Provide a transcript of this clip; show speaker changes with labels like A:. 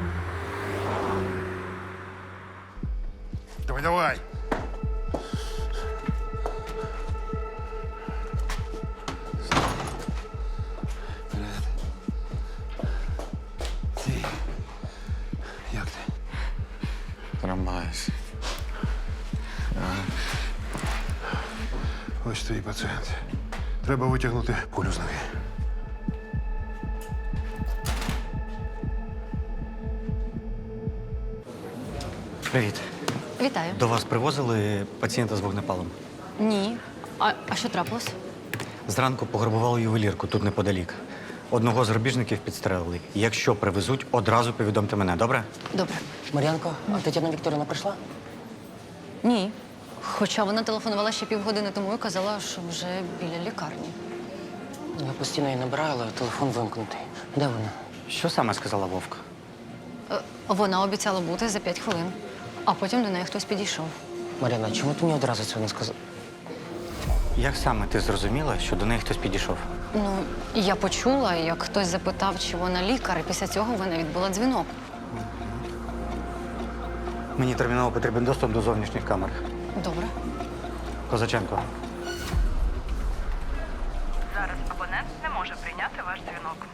A: Давай, давай. Привет. Ти. Як ти?
B: Тримаюсь.
A: Ось твій пацієнт. Треба витягнути кулю з ноги.
B: Привіт.
C: Вітаю.
B: До вас привозили пацієнта з вогнепалом.
C: Ні. А що трапилось?
B: Зранку пограбували ювелірку тут неподалік. Одного з грабіжників підстрелили. Якщо привезуть, одразу повідомте мене, добре?
C: Добре.
D: Мар'янко, а Тетяна Вікторівна прийшла?
C: Ні. Хоча вона телефонувала ще півгодини тому і казала, що вже біля лікарні.
D: Я постійно її набираю, але телефон вимкнутий. Де вона?
B: Що саме сказала Вовка?
C: Вона обіцяла бути за 5 хвилин, а потім до неї хтось підійшов.
D: Мар'яна, чому ти мені одразу цього не сказала?
B: Як саме ти зрозуміла, що до неї хтось підійшов?
C: Ну, я почула, як хтось запитав, чи вона лікар, і після цього вона відбула дзвінок.
B: Мені терміново потрібен доступ до зовнішніх камер.
C: Добре.
B: Козаченко.
E: Зараз абонент не може прийняти ваш дзвінок.